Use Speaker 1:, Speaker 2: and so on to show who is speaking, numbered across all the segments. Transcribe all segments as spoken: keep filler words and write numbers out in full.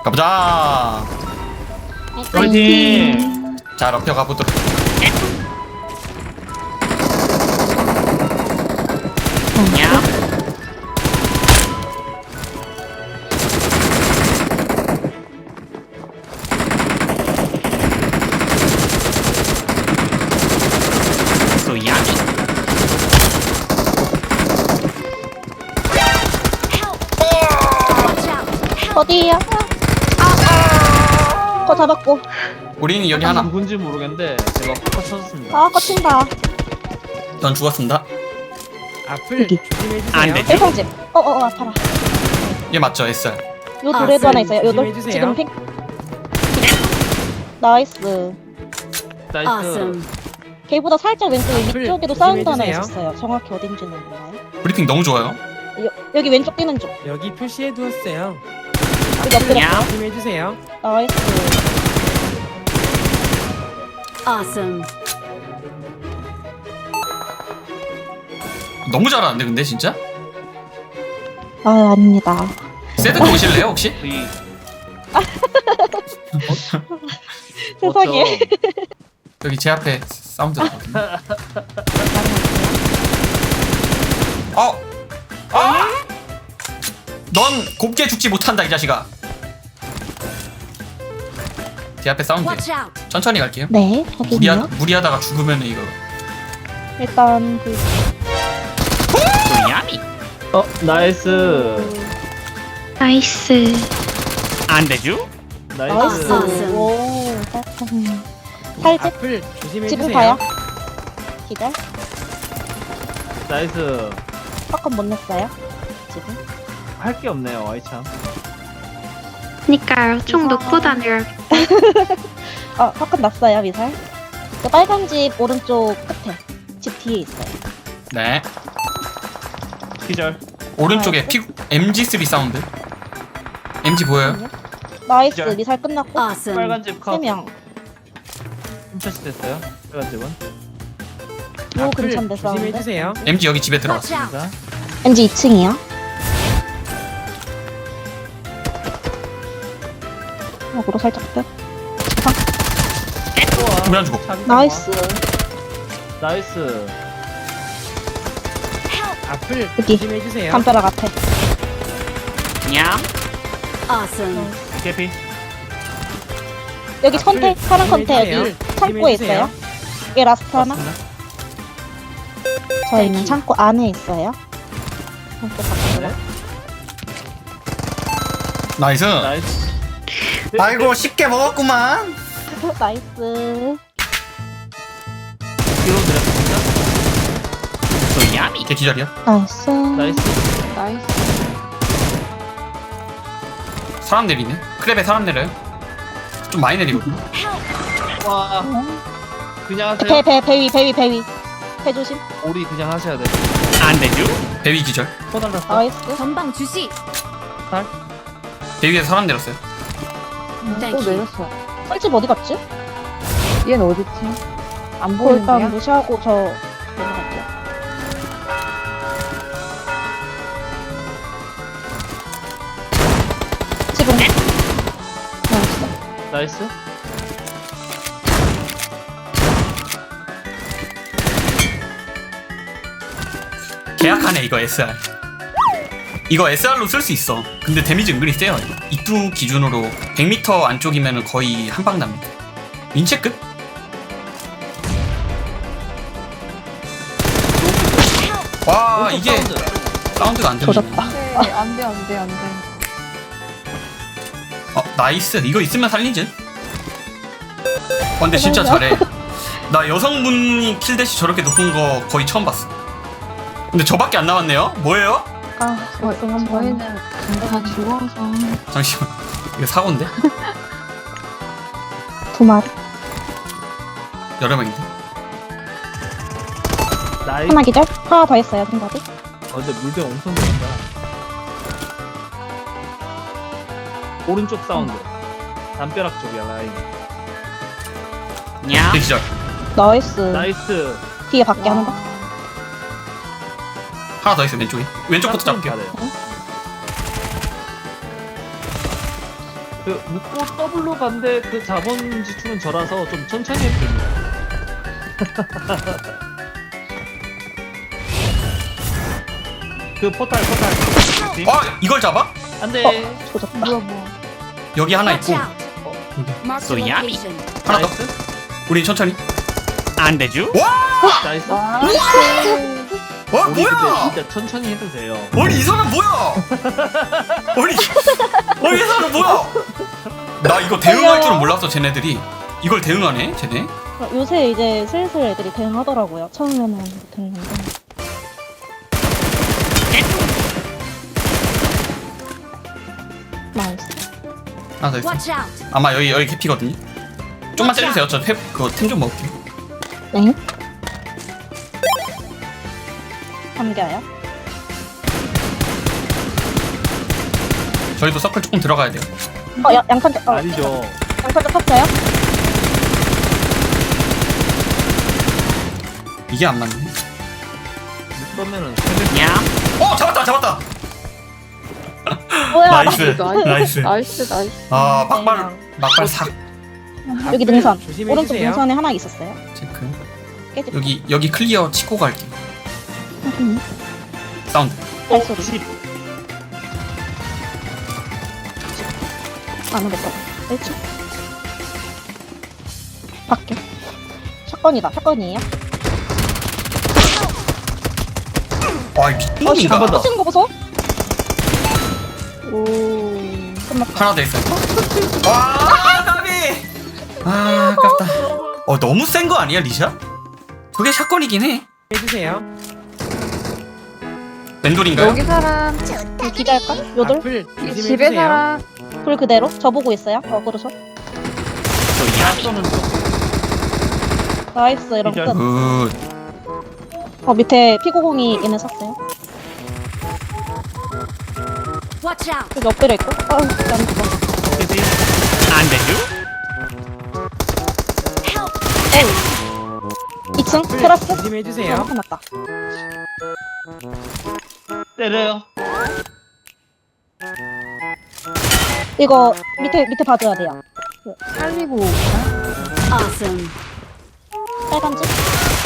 Speaker 1: 가보자.
Speaker 2: 화이팅!
Speaker 1: 자, 럽혀 가보도록.
Speaker 2: 야. 소야미.
Speaker 3: 어디야? 아, 거 잡았고.
Speaker 1: 우리는 여기 하나.
Speaker 2: 누군지 모르겠는데 제가 팍팍 쳐졌습니다.
Speaker 3: 아, 거친다.
Speaker 1: 넌 죽었습니다.
Speaker 2: 앞을
Speaker 3: 여기.
Speaker 2: 조심해주세요. 안 되지?
Speaker 3: 일성집. 어, 어, 어, 아파라.
Speaker 1: 얘 맞죠, 에스알.
Speaker 3: 요
Speaker 4: 아,
Speaker 3: 돌에도 하나 있어요. 요 돌.
Speaker 2: 조심해주세요.
Speaker 3: 지금 핑. 나이스.
Speaker 2: 나이스.
Speaker 4: Awesome.
Speaker 3: 걔보다 살짝 왼쪽 위쪽에도
Speaker 2: 조심해주세요.
Speaker 3: 사운드 하나 있었어요. 정확히 어딘지는 몰라요.
Speaker 1: 브리핑 너무 좋아요.
Speaker 3: 여, 여기 왼쪽 뛰는 쪽.
Speaker 2: 여기 표시해 두었어요.
Speaker 3: 여기 엎드렸어.
Speaker 2: 조심해주세요.
Speaker 3: 나이스.
Speaker 4: Awesome.
Speaker 1: 너무 잘하는데, 근데 진짜?
Speaker 3: 아, 아닙니다.
Speaker 1: 세드 보실래요, 혹시?
Speaker 2: 이
Speaker 3: 세상에.
Speaker 1: 여기 제 앞에 사운드 나거든요. 어! 아! 넌 곱게 죽지 못한다, 이 자식아. 제 앞에 사운드.
Speaker 4: Watch out.
Speaker 1: 천천히 갈게요.
Speaker 3: 네,
Speaker 1: 무리하,
Speaker 3: 확인요.
Speaker 1: 무리하다가 죽으면 이거.
Speaker 3: 일단 그
Speaker 1: 야미.
Speaker 2: 어 나이스.
Speaker 5: 나이스.
Speaker 1: 안 되죠?
Speaker 2: 나이스.
Speaker 3: 나이스.
Speaker 4: Awesome.
Speaker 3: 오, 음. 살집
Speaker 2: 앞을 조심해주세요.
Speaker 3: 집을 봐요. 기절.
Speaker 2: 나이스.
Speaker 3: 팝콘 못 냈어요. 지금.
Speaker 2: 할 게 없네요, 아이참.
Speaker 5: 그니까요. 총 놓고 다녀요.
Speaker 3: 어, 팝콘 났어요, 미살. 그 빨간 집 오른쪽 끝에. 집 뒤에 있어요.
Speaker 1: 네.
Speaker 2: 기절.
Speaker 1: 오른쪽에 피, 엠지 쓰리 사운드. 엠지 보여요?
Speaker 3: 나이스,
Speaker 2: 기절.
Speaker 3: 미살 끝났고.
Speaker 4: Awesome.
Speaker 2: 빨간 집 컷.
Speaker 3: 세 명.
Speaker 2: 훔쳐시 됐어요. 빨간 집은.
Speaker 3: 요
Speaker 2: 앞을
Speaker 3: 근처인데 싸우는데.
Speaker 2: 조심해주세요.
Speaker 1: 엠지 여기 집에
Speaker 4: Watch
Speaker 1: 들어갔어.
Speaker 4: out.
Speaker 2: 자,
Speaker 3: 엠지 이 층이요. 역으로 살짝 끝.
Speaker 1: 왜 안 죽어?
Speaker 3: 나이스.
Speaker 2: 나이스. 앞을
Speaker 3: 여기.
Speaker 2: 조심해주세요.
Speaker 3: 담벼락 앞에.
Speaker 1: 냠.
Speaker 4: Awesome.
Speaker 2: 개피.
Speaker 3: 여기 컨테, 파란 컨테 여기
Speaker 2: 조심해주세요.
Speaker 3: 창고에 있어요. 이게 라스트 하나.
Speaker 2: 맞습니다.
Speaker 3: 저희는 창고 안에 있어요. 창고 밖으로.
Speaker 2: 네.
Speaker 1: 나이스.
Speaker 2: 나이스.
Speaker 1: 아이고, 쉽게 먹었구만.
Speaker 3: 나이스.
Speaker 2: 뒤로 드렸습니다.
Speaker 1: 야미. 걔 기절이야.
Speaker 3: 나이스.
Speaker 2: 나이스.
Speaker 3: 나이스.
Speaker 1: 사람 내리네. 크랩에 사람 내려요. 좀 많이 내리거든.
Speaker 2: 와, 그냥 하세요.
Speaker 3: 배, 배, 배 위, 배 위, 배 위. 배 조심.
Speaker 2: 오리 그냥 하셔야 돼.
Speaker 1: 안 되죠? 배위 기절.
Speaker 2: 코 달랐어.
Speaker 3: 나이스.
Speaker 4: 전방 주시.
Speaker 1: 배 위에 사람 내렸어요.
Speaker 4: Thank you.
Speaker 3: 내렸어요. 꿀집 어디 갔지?
Speaker 6: 얘는 어딨지? 안
Speaker 3: 그 일단
Speaker 6: 보이는데요?
Speaker 3: 무시하고 저 내려갈게요. 지금. 나이스.
Speaker 2: 나이스.
Speaker 1: 계약하네, 이거 에스알. 이거 에스알로 쓸 수 있어. 근데 데미지 은근히 세요. 이거. 이투 기준으로 백 미터 안쪽이면 거의 한 방 납니다. 민체급? 와,
Speaker 2: 오른쪽
Speaker 1: 이게
Speaker 2: 사운드.
Speaker 1: 사운드가 안 들리네.
Speaker 3: 조졌다.
Speaker 6: 네, 안 돼, 안 돼, 안 돼.
Speaker 1: 어, 나이스. 이거 있으면 살리지? 어, 근데 진짜 잘해. 나 여성분이 킬대시 저렇게 높은 거 거의 처음 봤어. 근데 저밖에 안 나왔네요? 뭐예요?
Speaker 3: 아,
Speaker 6: 저,
Speaker 3: 우승 한 번.
Speaker 6: 저희는 다 죽어서.
Speaker 1: 잠시만. 이거 사고인데?
Speaker 3: 두 마리.
Speaker 1: 여러 명인데?
Speaker 2: 나이스.
Speaker 3: 하나 기절? 하나 더 있어요, 생각이.
Speaker 2: 어, 근데 물배 엄청 들었다. 오른쪽 사운드. 담벼락 쪽이야, 라인.
Speaker 1: 냐? 기절.
Speaker 3: 나이스.
Speaker 2: 나이스.
Speaker 3: 뒤에 밖에 하는 거.
Speaker 1: 하나 더 있어, 왼쪽에. 왼쪽부터 잡을게요.
Speaker 2: 잘해요. 그 묶고 더블로 간데 그 자본 지출은 저라서 좀 천천히 해도 됩니다. 그 포탈 포탈.
Speaker 1: 아 이걸 잡아?
Speaker 2: 안돼.
Speaker 3: 어, 조졌다.
Speaker 6: 뭐야 뭐야.
Speaker 1: 여기 하나
Speaker 4: Watch
Speaker 1: 있고
Speaker 4: out. Mark the
Speaker 1: So yummy.
Speaker 4: location.
Speaker 1: 하나 더.
Speaker 2: 나이스.
Speaker 1: 우리 천천히. 안 되죠?
Speaker 2: 나이스.
Speaker 6: 아,
Speaker 1: 와
Speaker 2: 우리 근데
Speaker 1: 뭐야?
Speaker 2: 진짜 천천히 해도 돼요.
Speaker 1: 아니 이 사람 뭐야? 아니 아니 이 사람 뭐야? 나 이거 대응할 줄은 몰랐어 쟤네들이. 이걸 대응하네 쟤네.
Speaker 3: 어, 요새 이제 슬슬 애들이 대응하더라고요. 처음에는 못했는데. 나이스.
Speaker 1: 하나 더 있어.
Speaker 4: Watch out.
Speaker 1: 아마 여기 여기 캐피거든요. 좀만 째주세요. 저 탭 그거 템 좀 먹을게요.
Speaker 3: 네. 감겨요.
Speaker 1: 저희도 서클 조금 들어가야 돼요.
Speaker 3: 어, 야, 양탄, 어,
Speaker 2: 아니죠.
Speaker 3: 양탄 쳤어요?
Speaker 1: 이게 안 맞네.
Speaker 2: 그러면은
Speaker 1: 어 잡았다 잡았다.
Speaker 3: 뭐야?
Speaker 1: 나이스 나이스.
Speaker 6: 나이스 나이스.
Speaker 1: 아 막발 막발 삭
Speaker 3: 여기 능선.
Speaker 2: 조심해
Speaker 3: 오른쪽
Speaker 2: 주세요.
Speaker 3: 능선에 하나 있었어요.
Speaker 1: 체크.
Speaker 3: 깨집.
Speaker 1: 여기 여기 클리어 치고 갈게요.
Speaker 3: 음,
Speaker 1: 사운드.
Speaker 3: 발소리.
Speaker 2: 집.
Speaker 3: 안 오겠다. 일 층. 밖에. 샷건이다. 샷건이에요?
Speaker 1: 와 미친놈인가?
Speaker 2: 번 더.
Speaker 3: 터지는 거 보소? 오. 끝났다.
Speaker 1: 하나 더 있어요. 와 나비. 아 아깝다. 어 너무 센 거 아니야 리샤? 저게 샷건이긴 해.
Speaker 2: 해주세요.
Speaker 1: 맨돌인가요?
Speaker 6: 여기 사람
Speaker 3: 이거 기다릴까? 요들?
Speaker 2: 앞을
Speaker 6: 이 집에 사람
Speaker 3: 불 그대로? 저 보고 있어요? 어, 그러죠.
Speaker 2: 쏘는 중.
Speaker 3: 나이스. 이런
Speaker 2: 기절.
Speaker 3: 끝.
Speaker 1: 굿.
Speaker 3: 어, 밑에 피구공이 얘네 샀어요.
Speaker 4: Watch out.
Speaker 3: 여기 엎드려 있고. 아우, 안 죽어.
Speaker 2: 어디지?
Speaker 1: 안 되죠?
Speaker 3: 이 층 테라스?
Speaker 2: 조심해주세요.
Speaker 3: 어, 났다.
Speaker 2: 때려요.
Speaker 3: 이거 밑에 밑에 봐줘야 돼요.
Speaker 6: 살리고
Speaker 4: Awesome.
Speaker 3: 빨간 집.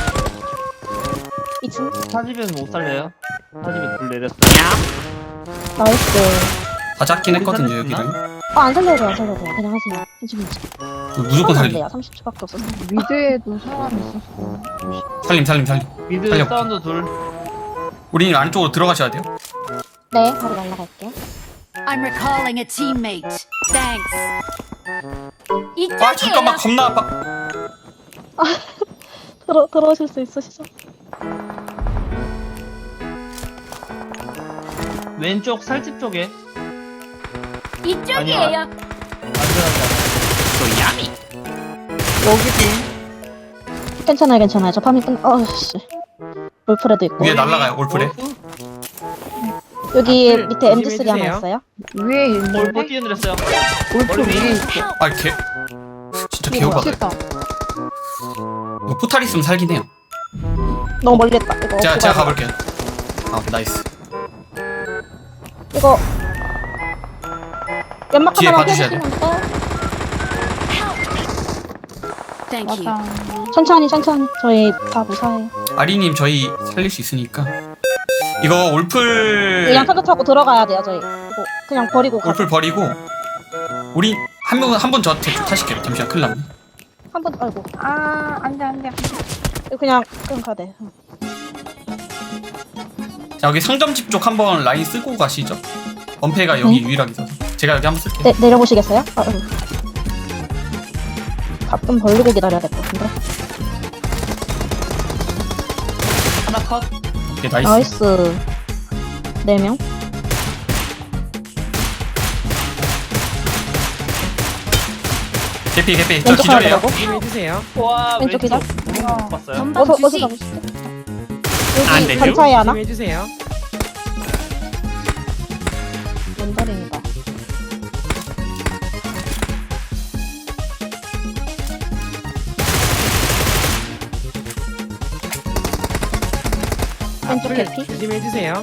Speaker 3: 이 층.
Speaker 2: 사집은 못 살려요. 사집이 불 내렸어.
Speaker 3: 나이스.
Speaker 1: 다 잡긴
Speaker 2: 여기
Speaker 1: 했거든요
Speaker 2: 살릴 수
Speaker 1: 여기를.
Speaker 3: 아, 안 살려도 돼요, 안 살려도 돼요. 그냥 하세요. 괜찮, 괜찮.
Speaker 1: 무조건 살림.
Speaker 3: 돼요. 삼십 초밖에 없어서.
Speaker 6: 미드에도 사람 있었어.
Speaker 1: 살림 살림 살림.
Speaker 2: 미드
Speaker 1: 살려볼게.
Speaker 2: 사운드 둘.
Speaker 1: 우리는 안쪽으로 들어가셔야 돼요.
Speaker 3: 네, 바로 날라갈게요.
Speaker 4: I'm recalling a teammate. Thanks.
Speaker 1: 아 잠깐만 겁나 아파.
Speaker 3: 들어 들어오실 수 있으시죠?
Speaker 2: 왼쪽 살집 쪽에.
Speaker 4: 이쪽이에요.
Speaker 2: 안전하지
Speaker 1: 소야미.
Speaker 6: 여기도
Speaker 3: 괜찮아요, 괜찮아요. 저 파밍 끝. 어씨. 올프레도 있고.
Speaker 1: 위에 날라가요 올프레.
Speaker 3: 여기
Speaker 2: 앞을
Speaker 3: 밑에 엠지 쓰리 하나
Speaker 2: 조심해주세요.
Speaker 3: 있어요.
Speaker 6: 위에
Speaker 2: 올보
Speaker 6: 있는데
Speaker 2: 뛰어내렸어요.
Speaker 6: 올프
Speaker 2: 머리
Speaker 6: 위에
Speaker 2: 위에.
Speaker 6: 있어.
Speaker 1: 아 개. 진짜
Speaker 6: 이거
Speaker 1: 개오바다.
Speaker 6: 미쳤다.
Speaker 1: 이거 포탈 있으면 살긴 해요.
Speaker 3: 너무 멀리 했다. 이거
Speaker 1: 제가
Speaker 3: 어떻게
Speaker 1: 제가
Speaker 3: 가야
Speaker 1: 가볼게요. 아 나이스.
Speaker 3: 이거 연막
Speaker 1: 뒤에
Speaker 3: 하나만
Speaker 1: 봐주셔야
Speaker 3: 펴주시면 돼요.
Speaker 4: Thank you.
Speaker 6: 맞아.
Speaker 3: 천천히 천천히. 저희 다 무사해요.
Speaker 1: 아리님 저희 살릴 수 있으니까. 이거 올플
Speaker 3: 그냥 타도 타고 들어가야 돼요, 저희. 이거 그냥 버리고 가.
Speaker 1: 올플 버리고 우리 한 명 한 번 저 타실게요. 잠시만 큰일 났네.
Speaker 3: 한번 아이고.
Speaker 6: 아 안돼 안돼.
Speaker 3: 이거 그냥 그냥 가야 돼.
Speaker 1: 자 여기 상점집 쪽 한번 라인 쓰고 가시죠. 엄폐가 여기
Speaker 3: 네.
Speaker 1: 유일하게 있어서 제가 여기 한번 쓸게요.
Speaker 3: 네, 내려보시겠어요? 아, 아이고. 가끔 벌리고 기다려야 될 것 같은데.
Speaker 2: 하나 컷.
Speaker 1: 오케이 나이스.
Speaker 3: 나이스. 네 명.
Speaker 1: 개피 개피 저
Speaker 3: 왼쪽 하나
Speaker 1: 기절이에요.
Speaker 3: 들어가고.
Speaker 2: 조심해주세요. 와
Speaker 3: 왼쪽 기절.
Speaker 2: 못 봤어요.
Speaker 4: 전방
Speaker 3: 어서 어서
Speaker 4: 주시.
Speaker 3: 가보시죠.
Speaker 1: 안
Speaker 3: 여기
Speaker 1: 되죠?
Speaker 3: 반차에 하나.
Speaker 2: 조심해주세요.
Speaker 3: 왼다리입니다. 왼쪽
Speaker 2: 앞을
Speaker 3: 개피.
Speaker 2: 조심해주세요.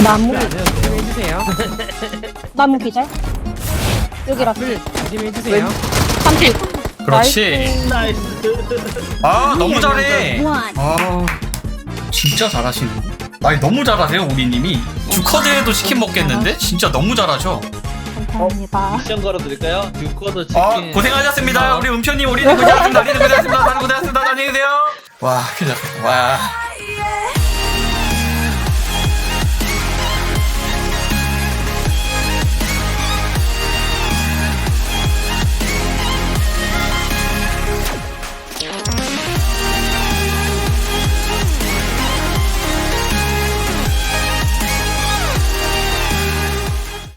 Speaker 3: 나무
Speaker 7: 조심해주세요.
Speaker 3: 나무 기절. 여기라.
Speaker 7: 앞을 조심해주세요.
Speaker 3: 삼킬.
Speaker 1: 그렇지.
Speaker 2: 나이스.
Speaker 1: 아 너무 잘해.
Speaker 4: One.
Speaker 1: 아 진짜 잘하시네. 아니 너무 잘하세요 우리님이. 주커드에도 치킨 먹겠는데? 진짜 너무 잘하죠.
Speaker 3: 감사합니다.
Speaker 2: 미션 걸어드릴까요? 듀커더 치킨.
Speaker 1: 아 고생하셨습니다. 우리 음표님 우리는 고생하셨습니다. 우리는 고생하셨습니다. 다들 고생하셨습니다. 안녕히 계세요. 와 큰일 났다. 와.